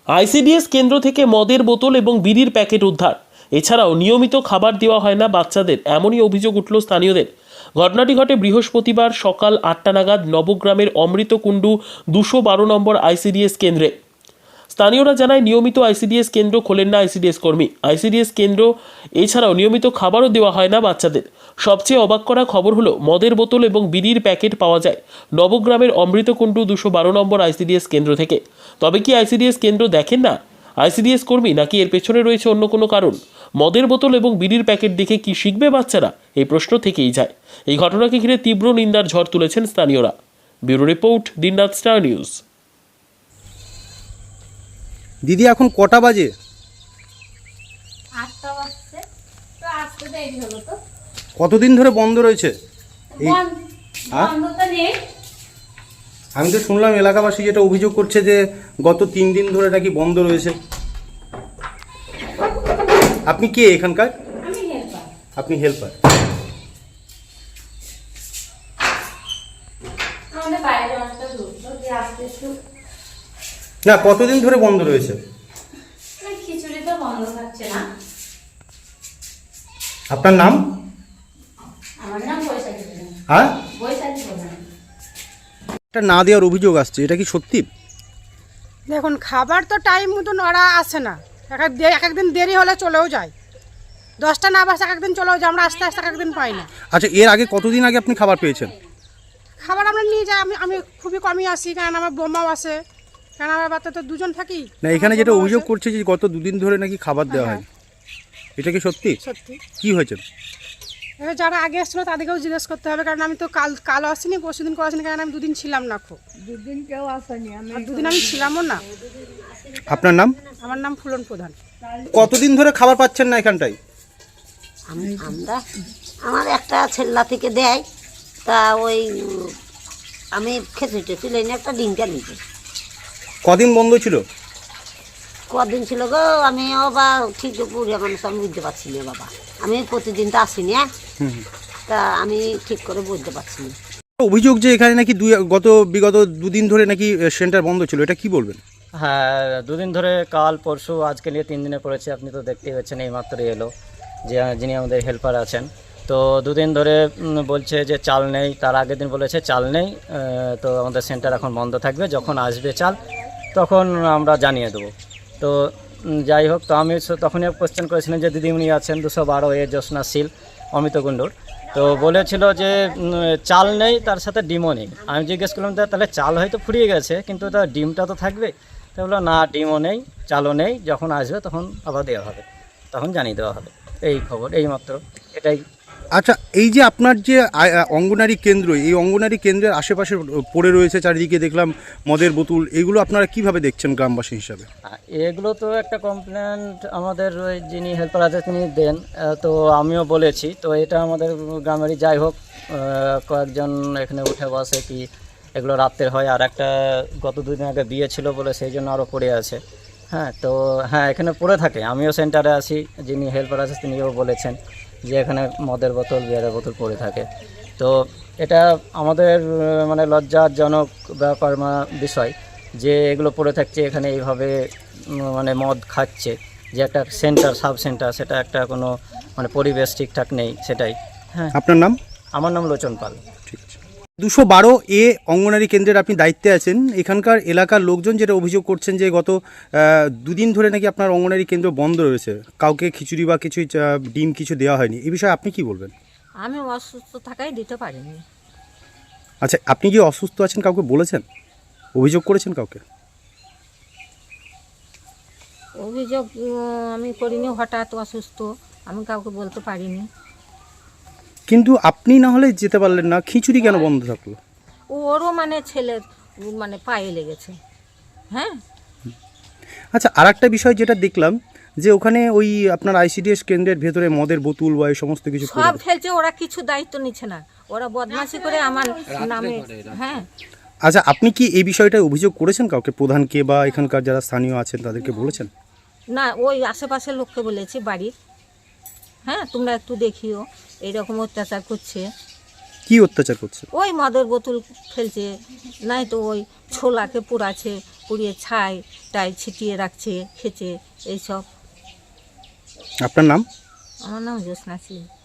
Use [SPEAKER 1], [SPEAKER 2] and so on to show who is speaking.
[SPEAKER 1] ICDS কেন্দ্র থেকে মদের বোতল এবং বিড়ির প্যাকেট উদ্ধার। এছাড়াও নিয়মিত খাবার দেওয়া হয় না বাচ্চাদের, এমনই অভিযোগ উঠল স্থানীয়দের। ঘটনাটি ঘটে বৃহস্পতিবার সকাল 8টা নাগাদ নবগ্রামের অমৃতকুণ্ডু 212 নম্বর আইসিডিএস কেন্দ্রে। স্থানীয়রা জানায় নিয়মিত আইসিডিএস কেন্দ্র খোলেন না আইসিডিএস কর্মী। আইসিডিএস কেন্দ্র এছাড়াও নিয়মিত খাবারও দেওয়া হয় না বাচ্চাদের। সবচেয়ে অবাক করা খবর হলো মদের বোতল এবং বিড়ির প্যাকেট পাওয়া যায় নবগ্রামের অমৃতকুণ্ডু 212 নম্বর আইসিডিএস কেন্দ্র থেকে। তবে কি আইসিডিএস কেন্দ্র দেখেন না আইসিডিএস কর্মী, নাকি এর পেছনে রয়েছে অন্য কোনো কারণ? মদের বোতল এবং বিড়ির প্যাকেট দেখে কি শিখবে বাচ্চারা, এই প্রশ্ন থেকেই যায়। এই ঘটনাকে ঘিরে তীব্র নিন্দার ঝড় তুলেছেন স্থানীয়রা। ব্যুরো রিপোর্ট, দিনরাত স্টার নিউজ।
[SPEAKER 2] দিদি এখন কটা বাজে?
[SPEAKER 3] 8টা বাজছে তো আসতে দেরি হলো। তো
[SPEAKER 2] কতদিন ধরে বন্ধ রয়েছে?
[SPEAKER 3] বন্ধ তো নেই।
[SPEAKER 2] আমি তো শুনলাম এলাকাবাসী যেটা অভিযোগ করছে যে গত 3 দিন ধরে নাকি বন্ধ রয়েছে। আপনি কে এখানকার?
[SPEAKER 3] আমি হেল্পার।
[SPEAKER 2] আপনি হেল্পার।
[SPEAKER 3] আমাদের বাইরে অনেকটা দূর, তো যে আসতে একটু
[SPEAKER 2] না, কতদিন ধরে বন্ধ রয়েছে?
[SPEAKER 3] খিচুড়ি তো বন্ধ থাকছে না।
[SPEAKER 2] আপনার নাম?
[SPEAKER 3] আমার নাম বৈশাখী প্রধান।
[SPEAKER 2] হ্যাঁ,
[SPEAKER 3] বৈশাখী প্রধান।
[SPEAKER 2] এটা না দেওয়ার অভিযোগ আসছে, এটা কি সত্যি?
[SPEAKER 4] দেখুন, খাবার তো টাইম মতন ওরা আসে না। এক একদিন দেরি হলে চলেও যায়। 10টা না বাজে এক একদিন চলেও যায়, আমরা আস্তে আস্তে এক একদিন পাই না।
[SPEAKER 2] আচ্ছা, এর আগে কতদিন আগে আপনি খাবার পেয়েছেন?
[SPEAKER 4] খাবার আমরা নিয়ে যাই, আমি খুবই কমই আসি, কারণ আমার বোমাও আসে, কারণ আমার বাচ্চা তো দুজন থাকি।
[SPEAKER 2] না, এখানে যেটা অভিযোগ করছে যে গত 2 দিন ধরে নাকি খাবার দেওয়া হয়, এটা কি সত্যি?
[SPEAKER 4] সত্যি।
[SPEAKER 2] কি হয়েছে?
[SPEAKER 4] এবার যারা আগে এসেছিলো তাদেরকেও জিজ্ঞেস করতে হবে, কারণ আমি তো কালও আসিনি, পরশুদিন করে আসিনি, কারণ আমি 2 দিন ছিলাম না। দুদিন কেউ আসেনি, আর 2 দিন আমি ছিলামও না।
[SPEAKER 2] আপনার নাম?
[SPEAKER 4] আমার নাম ফুলন প্রধান।
[SPEAKER 2] কতদিন ধরে খাবার পাচ্ছেন না এখানটায়?
[SPEAKER 5] আমরা আমার একটা ছেলা থেকে দেয়, তা ওই আমি খেতে টেছি লেনে একটা ডিমটা নিতে।
[SPEAKER 2] কদিন বন্ধ ছিল?
[SPEAKER 5] কদিন ছিল গো, আমিও বা ঠিক পুরিয়া মানুষ আমি বুঝতে পারছি না বাবা। আমি প্রতিদিন তো আসিনি, তা আমি ঠিক করে বুঝতে পারছি না।
[SPEAKER 2] অভিযোগ যে এখানে নাকি বিগত 2 দিন ধরে নাকি সেন্টার বন্ধ ছিল, এটা কি বলবেন?
[SPEAKER 6] হ্যাঁ, 2 দিন ধরে, কাল পরশু আজকে নিয়ে 3 দিনে পড়েছে। আপনি তো দেখতেই পাচ্ছেন, এইমাত্রই এলো যে যিনি আমাদের হেল্পার আছেন। তো 2 দিন ধরে বলছে যে চাল নেই, তার আগের দিন বলেছে চাল নেই, তো আমাদের সেন্টার এখন বন্ধ থাকবে, যখন আসবে চাল তখন আমরা জানিয়ে দেবো। তো যাই হোক, তো আমি তখনই কোয়েশ্চেন করেছিলাম যে দিদিমণি আছেন 212 জ্যোৎস্না শীল অমিতকুণ্ডুর, তো বলেছিল যে চাল নেই, তার সাথে ডিমও নেই। আমি জিজ্ঞেস করলাম তাহলে চাল হয়তো ফুরিয়ে গেছে, কিন্তু তার ডিমটা তো থাকবে। তো বললো না, ডিমও নেই, চালও নেই, যখন আসবে তখন আবার দেওয়া হবে, তখন জানিয়ে দেওয়া হবে। এই খবর, এই মাত্র, এটাই।
[SPEAKER 2] আচ্ছা, এই যে আপনার যে অঙ্গনারী কেন্দ্র, এই অঙ্গনারী কেন্দ্রের আশেপাশে পড়ে রয়েছে চারিদিকে দেখলাম মদের বোতল, এগুলো আপনারা কিভাবে দেখছেন গ্রামবাসী হিসাবে?
[SPEAKER 6] এগুলো তো একটা কমপ্লেন্ট আমাদের ওই যিনি হেল্পার আছে তিনি দেন, তো আমিও বলেছি। তো এটা আমাদের গ্রামেরই, যাই হোক, কয়েকজন এখানে উঠে বসে কি এগুলো রাত্রের হয়। আর একটা গত 2 দিন আগে বিয়ে ছিল বলে সেই জন্য আরও পড়ে আছে। হ্যাঁ, তো হ্যাঁ, এখানে পড়ে থাকে। আমিও সেন্টারে আছি, যিনি হেল্পার আছে তিনিও বলেছেন যে এখানে মদের বোতল, বিয়ারের বোতল পড়ে থাকে। তো এটা আমাদের মানে লজ্জাজনক ব্যাপার বিষয় যে এগুলো পড়ে থাকছে এখানে, এইভাবে মানে মদ খাচ্ছে, যে একটা সেন্টার, সাব সেন্টার, সেটা একটা কোনো মানে পরিবেশ ঠিকঠাক নেই, সেটাই। হ্যাঁ,
[SPEAKER 2] আপনার নাম?
[SPEAKER 6] আমার নাম লোচন পাল।
[SPEAKER 2] ঠিক আছে। 212 অঙ্গনারী কেন্দ্রের আপনি দায়িত্বে আছেন। এখানকার এলাকার লোকজন যেটা অভিযোগ করছেন যে গত 2 দিন ধরে নাকি আপনার অঙ্গনারী কেন্দ্র বন্ধ রয়েছে, কাউকে খিচুড়ি বা কিছু ডিম কিছু দেওয়া হয়নি, এই বিষয়ে আপনি কি বলবেন?
[SPEAKER 3] আমি অসুস্থ থাকাই দিতে পারিনি।
[SPEAKER 2] আচ্ছা, আপনি যে অসুস্থ আছেন কাউকে বলেছেন, অভিযোগ করেছেন কাউকে?
[SPEAKER 3] অভিযোগ আমি করিনি, হঠাৎ অসুস্থ, আমি কাউকে বলতে পারিনি।
[SPEAKER 2] কিন্তু আপনি না হলে যেতে পারলেন না, খিচুড়ি কেন বন্ধ থাকলো?
[SPEAKER 3] ওরও মানে ছেলের মানে পায়ে লেগেছে। হ্যাঁ।
[SPEAKER 2] আচ্ছা, আর একটা বিষয় যেটা দেখলাম যে ওখানে ওই আপনার আইসিডিএস কেন্দ্রের ভেতরে মদের বোতল বা এই সমস্ত কিছু
[SPEAKER 3] সব ফেলছে, ওরা কিছু দায়িত্ব নিচ্ছে না, ওরা বদমাশি করে আমার নামে। হ্যাঁ।
[SPEAKER 2] আচ্ছা, আপনি কি এই বিষয়টায় অভিযোগ করেছেন কাউকে, প্রধানকে বা এখানকার যারা স্থানীয় আছেন তাদেরকে বলেছেন?
[SPEAKER 3] না, ওই আশেপাশের লোককে বলেছি বাড়ির। হ্যাঁ, তোমরা একটু দেখিও, এইরকম অত্যাচার করছে।
[SPEAKER 2] কি অত্যাচার করছে?
[SPEAKER 3] ওই মদের বোতল ফেলছে, নাই তো ওই ছোলাকে পুড়াচ্ছে, পুড়িয়ে ছাই টাই ছিটিয়ে রাখছে খেছে এইসব।
[SPEAKER 2] আপনার নাম?
[SPEAKER 3] আমার নাম জ্যোৎস্না সিং।